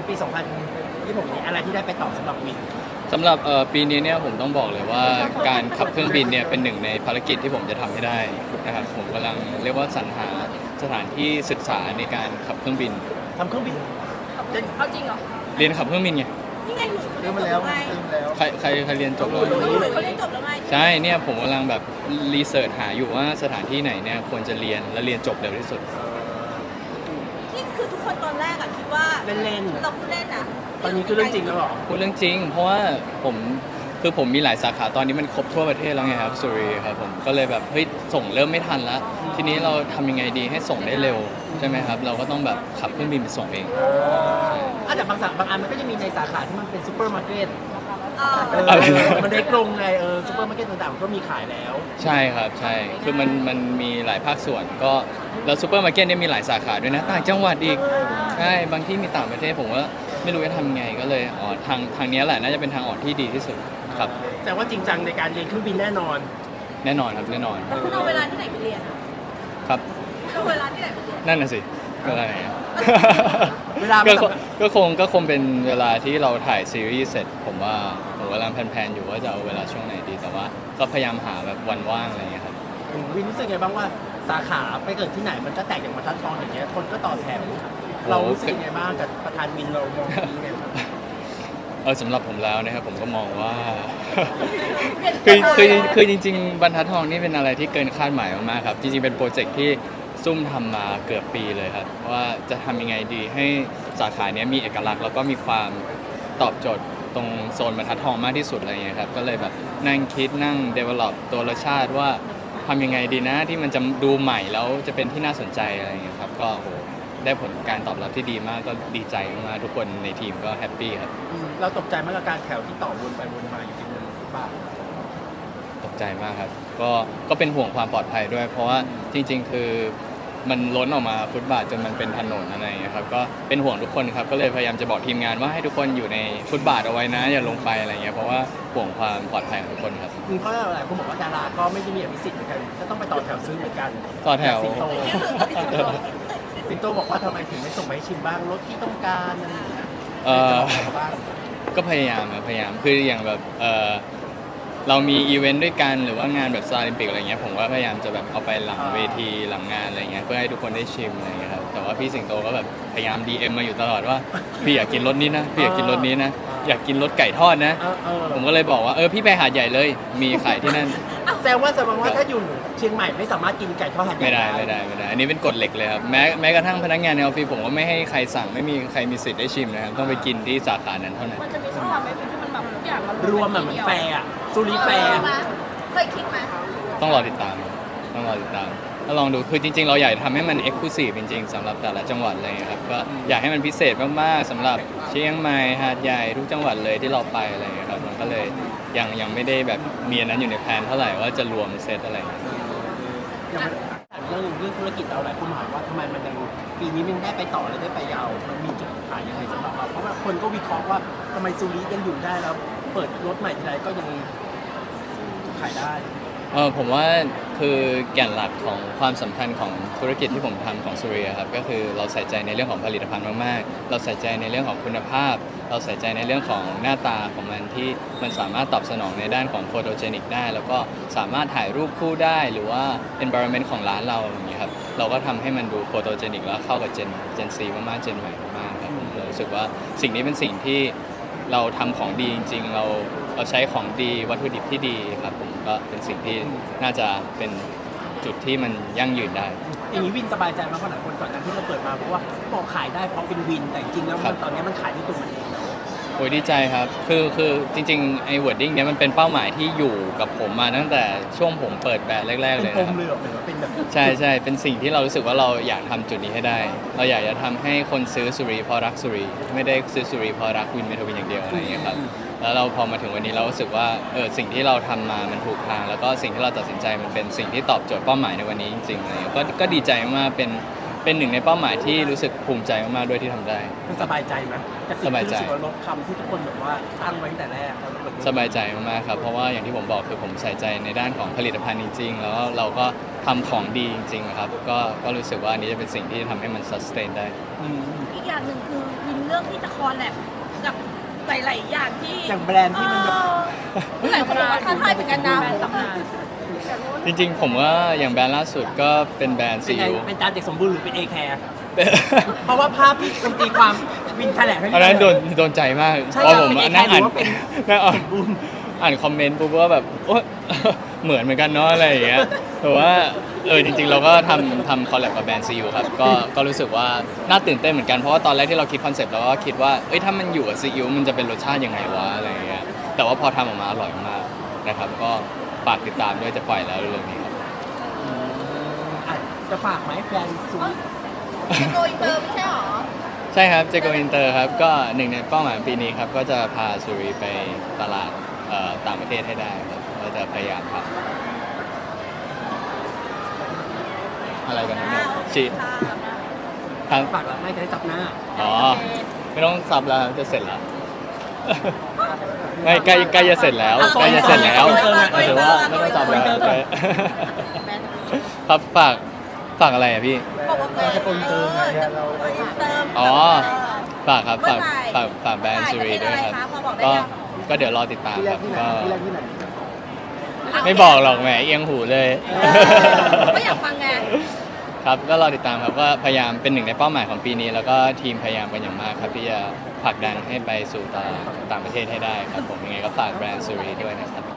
ปี2026นี้อะไรที่ได้ไปต่อสำหรับวินสำหรับปีนี้เนี่ยผมต้องบอกเลยว่าการขับเครื่องบินเนี่ยเป็นหนึ่งในภารกิจที่ผมจะทำให้ได้นะครับผมกำลังเรียกว่าสรรหาสถานที่ศึกษาในการขับเครื่องบินทำเครื่องบินเอาจริงเหรอเรียนขับเครื่องบินไงนี่ไงหนูเรียนมาแล้วใครเรียนจบแล้วหนูเขาเรียนจบแล้วไงใช่เนี่ยผมกำลังแบบรีเสิร์ชหาอยู่ว่าสถานที่ไหนเนี่ยควรจะเรียนและเรียนจบเร็วที่สุดนี่คือทุกคนตอนแรกอะคิดว่าเล่นเราพูดเล่นอะตอนนี้คือเรื่องจริงแล้วหรอพูดเรื่องจริงเพราะว่าผมมีหลายสาขาตอนนี้มันครบทั่วประเทศแล้วไงครับสุรีครับผมก็เลยแบบเฮ้ยส่งเริ่มไม่ทันแล้วทีนี้เราทำยังไงดีให้ส่งได้เร็วใช่ไหมครับเราก็ต้องแบบขับเครื่องบินไปส่งเองแต่บางอันมันก็จะมีในสาขาที่มันเป็นซูเปอร์มาร์เก็ตมันได้กรงไงซูเปอร์มาร์เก็ตต่างๆก็มีขายแล้วใช่ครับใช่คือมันมีหลายภาคส่วนก็แล้วซูเปอร์มาร์เก็ตเนี่ยมีหลายสาขาด้วยนะต่างจังหวัดอีกใช่บางที่มีต่างประเทศผมว่าไม่รู้จะทำไงก็เลยทางนี้แหละน่าจะเป็นทางออกที่ดีที่สุดครับแต่ว่าจริงจังในการเรียนเครื่องบินแน่นอนครับแน่นอนแล้วคุณเอาเวลาที่ไหนไปเรียนครับเอาเวลาที่ไหนไปเรียนนั่นน่ะสิเวลาไหนเวลาก็คงเป็นเวลาที่เราถ่ายซีรีส์เสร็จผมกำลังแพลนอยู่ว่าจะเอาเวลาช่วงไหนดีแต่ว่าก็พยายามหาแบบวันว่างอะไรอย่างเงี้ยครับวินรู้สึกไงบ้างว่าสาขาไปเกิดที่ไหนมันก็แตกอย่างบรรทัดทองอย่างเงี้ยคนก็ต่อแถวเรารู้สึกไงบ้างกับประธานวินเรามองยังไงบ้างสำหรับผมแล้วนะครับผมก็มองว่า คือจริงๆบรรทัดทองนี่เป็นอะไรที่เกินคาดหมายมากๆครับจริงๆเป็นโปรเจกต์ที่ซุ่มทำมาเกือบปีเลยครับว่าจะทำยังไงดีให้สาขานี้มีเอกลักษณ์แล้วก็มีความตอบโจทย์ตรงโซนบรรทัดทองมากที่สุดอะไรเงี้ยครับก็เลยแบบนั่งคิดนั่ง develop ตัวรสชาติว่าทำยังไงดีนะที่มันจะดูใหม่แล้วจะเป็นที่น่าสนใจอะไรเงี้ยครับก็ได้ผลการตอบรับที่ดีมากก็ดีใจมากทุกคนในทีมก็แฮปปี้ครับเราตกใจมากกับการแถวที่ต่อวนไปวนมาอยู่ที่นั่นบ้างตกใจมากครับก็เป็นห่วงความปลอดภัยด้วยเพราะว่าจริงๆคือมันล้นออกมาฟุตบาทจนมันเป็นถนนอะไรอย่างเงี้ยครับก็เป็นห่วงทุกคนครับก็เลยพยายามจะบอกทีมงานว่าให้ทุกคนอยู่ในฟุตบาทเอาไว้นะอย่าลงไปอะไรเงี้ยเพราะว่าห่วงความปลอดภัยของทุกคนครับเพราะหลายคนบอกว่าดาราก็ไม่ได้มีอภิสิทธิ์เหมือนกันก็ต้องไปต่อแถวซื้อเหมือนกันต่อแถวสิงโตบอกว่าทำไมถึงไม่ส่งไปให้ชิมบ้างรถที่ต้องการอะไรอย่างเงี้ยก็พยายามคืออย่างแบบเรามีอีเวนต์ด้วยกันหรือว่างานแบบซาลิมปิกอะไรเงี้ยผมก็พยายามจะแบบเอาไปหลังเวทีหลังงานอะไรเงี้ยเพื่อให้ทุกคนได้ชิมอะไรเงี้ยครับแต่ว่าพี่สิงโตก็แบบพยายาม DM มาอยู่ตลอดว่าพี่อยากกินรสนี้นะพี่อยากกินรสนี้นะอยากกินรสไก่ทอดนะผมก็เลยบอกว่าพี่ไปหาดใหญ่เลยมีขายที่นั่นแสดงว่าถ้าอยู่เชียงใหม่ไม่สามารถกินไก่ทอดหาดใหญ่ไม่ได้อันนี้เป็นกฎเหล็กเลยครับแม้กระทั่งพนักงานในออฟฟิศผมก็ไม่ให้ใครสั่งไม่มีใครมีสิทธิ์ได้ชิมนะครับต้องไปกินที่สาขานั้นเท่านั้นมันจะมีช่องทางไหมที่มันแบบทุกอย่างรวมเหมือนแฟร์ซูริแฟร์เคยคิดไหมต้องรอติดตามถ้าลองดูคือจริงๆเราอยากทำให้มันเอ็กซ์คลูซีฟจริงๆสำหรับแต่ละจังหวัดเลยครับก็อยากให้มันพิเศษมากๆสำหรับเชียงใหม่หาดใหญ่ทุกจังหวัดเลยที่เราไปอะไรครับมันก็เลยยังไม่ได้แบบมีอันนั้นอยู่ในแผนเท่าไหร่ว่าจะรวมเซตอะไรเรื่องธุรกิจเราหลายคนถามว่าทำไมมันยังปีนี้มันได้ไปต่อและได้ไปยาวมันมีจุดขายยังไงสำหรับเราเพราะว่าคนก็วิเคราะห์ว่าทำไมซูริยังอยู่ได้แล้วเปิดรถใหม่ทีไรก็ยังขายได้ผมว่าคือแก่นหลักของความสำคัญของธุรกิจที่ผมทำของสุริยครับก็คือเราใส่ใจในเรื่องของผลิตภัณฑ์มากๆเราใส่ใจในเรื่องของคุณภาพเราใส่ใจในเรื่องของหน้าตาของมันที่มันสามารถตอบสนองในด้านของโฟโตเจนิกได้แล้วก็สามารถถ่ายรูปคู่ได้หรือว่า environment ของร้านเราอย่างนี้ครับเราก็ทำให้มันดูโฟโตเจนิกแล้วเข้ากับเจนซีมากๆเจนใหม่มากๆครับเรารู้สึกว่าสิ่งนี้เป็นสิ่งที่เราทำของดีจริงๆเราใช้ของดีวัตถุดิบที่ดีครับผมก็เป็นสิ่งที่น่าจะเป็นจุดที่มันยั่งยืนได้อย่างนี้วินสบายใจมากเพราะหลายคนก่อนหน้าที่เราเปิดมาเพราะว่าบอกขายได้เพราะเป็นวินแต่จริงๆแล้วตอนนี้มันขายที่ตัวมันเองแล้วโอ้ยดีใจครับคือจริงๆไอ้ wording เนี้ยมันเป็นเป้าหมายที่อยู่กับผมมาตั้งแต่ช่วงผมเปิดแบรนด์แรกๆเลยนะครับเป็นแบบใช่เป็นสิ่งที่เรารู้สึกว่าเราอยากทำจุดนี้ให้ได้เราอยากจะทำให้คนซื้อสุรีเพราะรักสุรีไม่ได้ซื้อสุรีเพราะรักวินเมทวินอย่างเดียวอะไรอย่างเงี้ยครับแล้วเราพอมาถึงวันนี้เรารู้สึกว่าสิ่งที่เราทำมามันถูกทางแล้วก็สิ่งที่เราตัดสินใจมันเป็นสิ่งที่ตอบโจทย์เป้าหมายในวันนี้จริงๆอะไรก็ดีใจมากเป็นหนึ่งในเป้าหมายที่รู้สึกภูมิใจมากๆด้วยที่ทำได้สบายใจไหมสบายใจลดคำที่ทุกคนแบบว่าตั้งไว้ตั้งแต่แรกสบายใจมากๆครับเพราะว่าอย่างที่ผมบอกคือผมใส่ใจในด้านของผลิตภัณฑ์จริงๆแล้วเราก็ทำของดีจริงๆครับก็รู้สึกว่าอันนี้จะเป็นสิ่งที่ทำให้มัน sustain ได้อีกอย่างอย่างหนึ่งคือวินเรื่องที่จะคอลแลบกับหลายๆอย่างที่อย่างแบรนด์ที่มันแบบหลายคนบอกว่าท้าทายเหมือนกันนะจริงๆผมว่าอย่างแบรนด์ล่าสุดก็เป็นแบรนด์เป็ซีนไงอิ๊วเป็นจานเด็กสมบูรณ์หรือเป็นเอแคร์เพราะว่าภาพที่คุณตีความวินแถลงให้อันนั้นโดนใจมากใช่เพราะผมเป็นนั่งอ่านหรือว่าเป็นนั่งอ่านสมบูรณ์อ่านคอมเมนต์ปุ๊บว่าแบบโอ๊ย เหมือนกันเนาะอะไรอย่างเงี้ยแต่ว่าจริงๆเราก็ทำคอลแลบกับแบรนด์ซีอิ๊วครับก็รู้สึกว่าน่าตื่นเต้นเหมือนกันเพราะว่าตอนแรกที่เราคิดคอนเซปต์เราก็คิดว่าถ้ามันอยู่กับซีอิ๊วมันจะเป็นรสชาติยังไงวะอะไรอย่างเงี้ยแต่ว่าพอทำออกมาอร่อยมากนะครับก็ฝากติดตามด้วยจะปล่อยแล้วเรื่องนี้ครับอ่ะจะฝากไหมแบรนด์ซูริจะโกอินเตอร์ไม่ใช่หรอใช่ครับเจโกอินเตอร์ครับก็หนึ่งในเป้าหมายปีนี้ครับก็จะพาซูรีไปตลาดต่างประเทศให้ได้ครับก็จะพยายามทำอะไรกันนะเนี่ยชีครับฝากแล้วไม่จะได้ซับหน้าอ๋อไม่ต้องซับแล้วครับจะเสร็จแล้ว ไม่ใกล้จะเสร็จแล้วใกล้จะเสร็จแล้วถือว่าไม่ต้องซับแล้วครับฝากอะไรอ่ะพี่บอกว่าจะโกอินเตอร์จะโกอินเตอร์อ๋อฝากครับฝากแบรนด์ซูรีด้วยครับก็เดี๋ยวรอติดตามครับก็ไม่บอกหรอกแหมเอียงหูเลยก็อยากฟังไงครับก็รอติดตามครับก็พยายามเป็นหนึ่งในเป้าหมายของปีนี้ แล้วก็ทีมพยายามกันอย่างมากครับที่จะผลักดันให้ไปสู่ต่างประเทศให้ได้ครับผมยังไงก็ฝากแบรนด์ซูรีด้วยนะครับ